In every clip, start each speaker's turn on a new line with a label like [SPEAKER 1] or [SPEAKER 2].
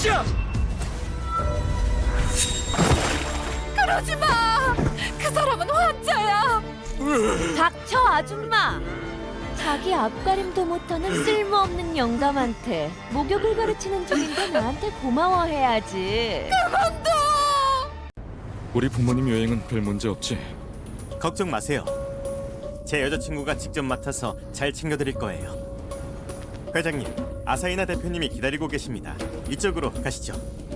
[SPEAKER 1] 짓이야?
[SPEAKER 2] 그러지 마! 그 사람은 환자야! 닥쳐, 아줌마! 자기 앞가림도 못하는 쓸모없는 영감한테 목욕을 가르치는 중인데 나한테 고마워해야지. 그만둬!
[SPEAKER 1] 우리 부모님 여행은 별 문제 없지?
[SPEAKER 3] 걱정 마세요. 제 여자친구가 직접 맡아서 잘 챙겨드릴 거예요. 회장님, 아사히나 대표님이 기다리고 계십니다. 이쪽으로 가시죠.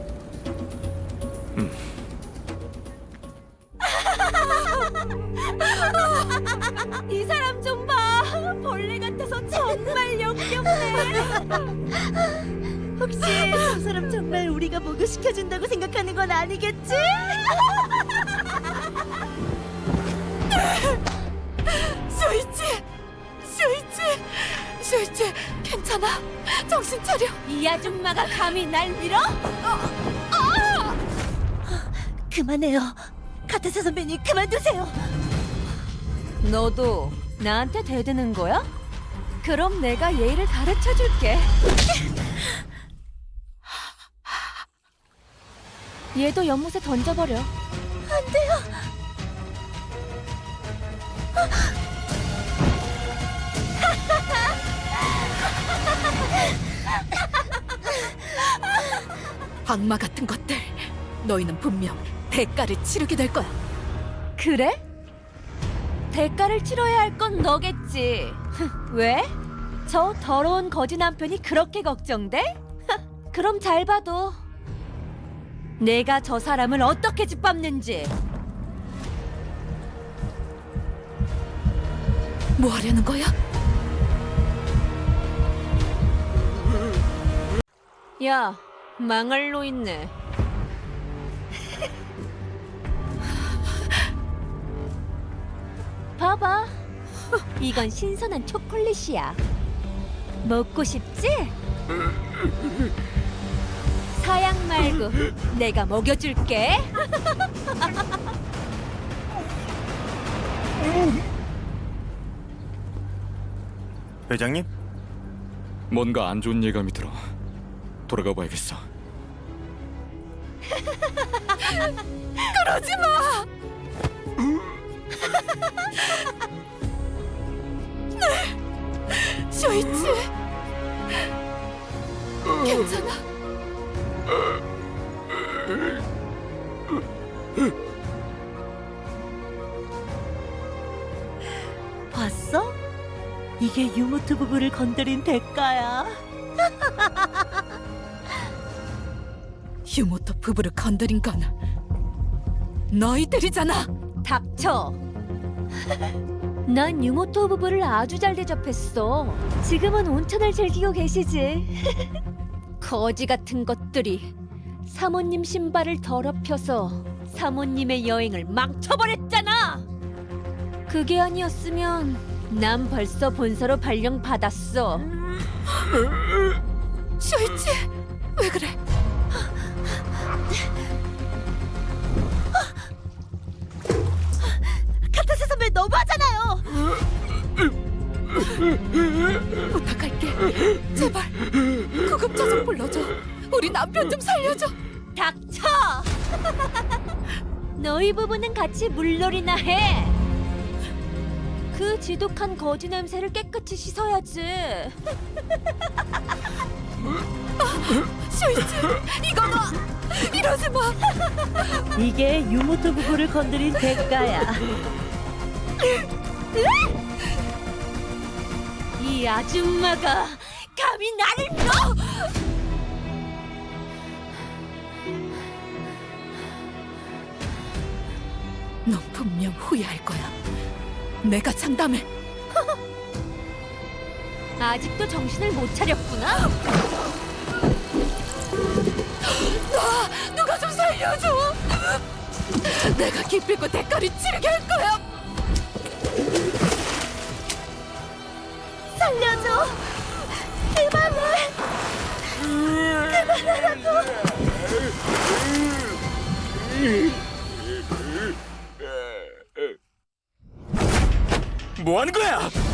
[SPEAKER 2] 이 사람 좀 봐! 벌레 같아서 정말 역겹네!
[SPEAKER 4] 혹시 저 사람 정말 우리가 목욕시켜준다고 생각하는 건 아니겠지?
[SPEAKER 2] 쇼이치, 괜찮아? 정신 차려! 이 아줌마가 감히 날 밀어?
[SPEAKER 4] 그만해요. 카타사 선배님 그만두세요.
[SPEAKER 2] 너도 나한테 대드는 거야? 그럼 내가 예의를 가르쳐줄게. 얘도 연못에 던져버려.
[SPEAKER 4] 안 돼요.
[SPEAKER 2] 악마 같은 것들, 너희는 분명 대가를 치르게 될 거야. 그래? 대가를 치러야 할 건 너겠지. 왜? 저 더러운 거지 남편이 그렇게 걱정돼? 그럼 잘 봐도 내가 저 사람을 어떻게 짓밟는지. 뭐 하려는 거야? 야, 망할 로 있네. 봐봐. 이건 신선한 초콜릿이야. 먹고 싶지? 사양 말고 내가 먹여줄게.
[SPEAKER 3] 회장님,
[SPEAKER 1] 뭔가 안 좋은 예감이 들어. 돌아가 봐야겠어.
[SPEAKER 2] 그러지 마! 쇼이치, 괜찮아.
[SPEAKER 4] 봤어? 이게 유모트 부부를 건드린 대가야.
[SPEAKER 2] 유모토 부부를 건드린 건 너희들이잖아. 닥쳐. 난 유모토 부부를 아주 잘 대접했어. 지금은 온천을 즐기고 계시지. 거지 같은 것들이 사모님 신발을 더럽혀서 사모님의 여행을 망쳐버렸잖아. 그게 아니었으면 난 벌써 본서로 발령 받았어. 쇼이치, 왜 그래?
[SPEAKER 4] 카타사 선배 너무하잖아요.
[SPEAKER 2] 부탁할게. 제발 구급차좀 불러줘. 우리 남편 좀 살려줘. 닥쳐! 너희 부부는 같이 물놀이나 해. 그 지독한 거지 냄새를 깨끗이 씻어야지. 쇼이치, 이거 너 이러지 마.
[SPEAKER 4] 이게 유모트 부부를 건드린 대가야.
[SPEAKER 2] 이 아줌마가 감히 나를 밀어! 넌 분명 후회할 거야. 내가 장담해. 아직도 정신을 못 차렸구나. 누가 좀 살려줘. 내가 기필코 대가를 치르게 할 거야.
[SPEAKER 4] 살려줘. 그만해. 그만하라고.
[SPEAKER 1] 뭐 하는 거야?